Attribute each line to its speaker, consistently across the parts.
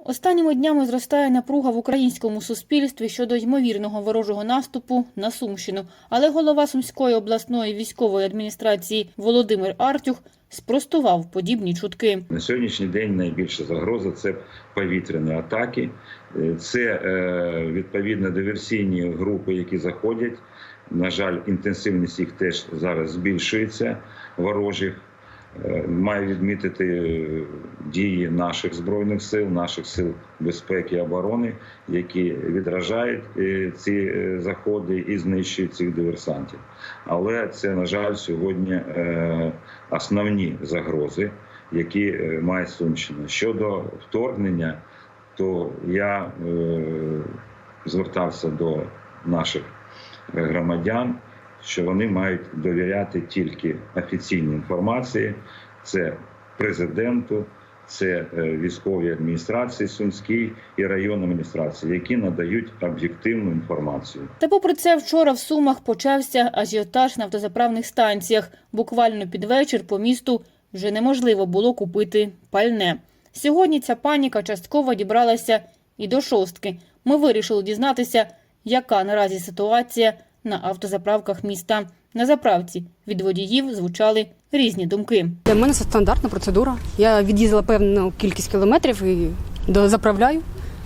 Speaker 1: Останніми днями зростає напруга в українському суспільстві щодо ймовірного ворожого наступу на Сумщину. Але голова Сумської обласної військової адміністрації Володимир Артюх спростував подібні чутки.
Speaker 2: На сьогоднішній день найбільша загроза – це повітряні атаки. Це, відповідно, диверсійні групи, які заходять. На жаль, інтенсивність їх теж зараз збільшується, ворожих. Маю відмітити дії наших Збройних сил, наших сил безпеки і оборони, які відражають ці заходи і знищують цих диверсантів. Але це, на жаль, сьогодні основні загрози, які має Сумщина. Щодо вторгнення, то я звертався до наших громадян, що вони мають довіряти тільки офіційній інформації. Це президенту, це військовій адміністрації Сумській і районній адміністрації, які надають об'єктивну інформацію.
Speaker 1: Та попри це, вчора в Сумах почався ажіотаж на автозаправних станціях. Буквально під вечір по місту вже неможливо було купити пальне. Сьогодні ця паніка частково дібралася і до шостки. Ми вирішили дізнатися, яка наразі ситуація на автозаправках міста. На заправці від водіїв звучали різні думки.
Speaker 3: Для мене це стандартна процедура. Я від'їздила певну кількість кілометрів і заправляю.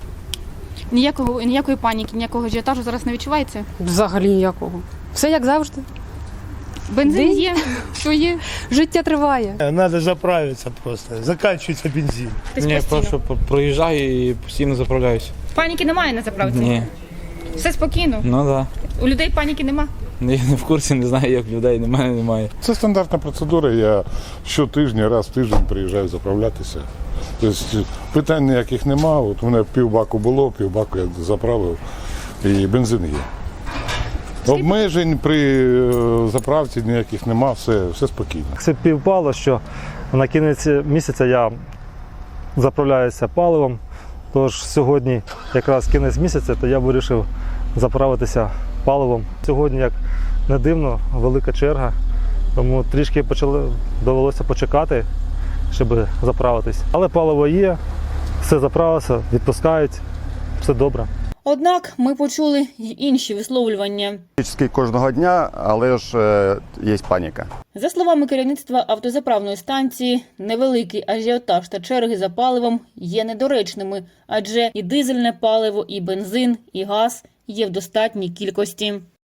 Speaker 4: Ніякої паніки, ніякого ажіотажу зараз не відчувається?
Speaker 3: Взагалі ніякого. Все як завжди.
Speaker 4: Бензин є, що є?
Speaker 3: Життя триває.
Speaker 5: Треба заправитися просто. Закінчується бензин.
Speaker 6: Ні, просто проїжджаю і постійно заправляюся.
Speaker 4: Паніки немає на заправці?
Speaker 6: Ні.
Speaker 4: Все спокійно?
Speaker 6: Ну так. Да.
Speaker 4: У людей паніки нема?
Speaker 6: Я не в курсі, не знаю, як людей немає.
Speaker 7: Це стандартна процедура. Я щотижня, раз в тиждень приїжджаю заправлятися. Тобто питань ніяких нема. От у мене півбаку було, півбаку я заправив і бензин є. Обмежень при заправці ніяких нема, все спокійно.
Speaker 8: Це співпало, що на кінець місяця я заправляюся паливом. Тож сьогодні якраз кінець місяця, то я вирішив заправитися паливом. Сьогодні, як не дивно, велика черга, тому трішки довелося почекати, щоб заправитись. Але паливо є, все заправилося, відпускають, все добре.
Speaker 1: Однак ми почули й інші висловлювання.
Speaker 9: Кожного дня, але ж є паніка.
Speaker 1: За словами керівництва автозаправної станції, невеликий ажіотаж та черги за паливом є недоречними, адже і дизельне паливо, і бензин, і газ є в достатній кількості.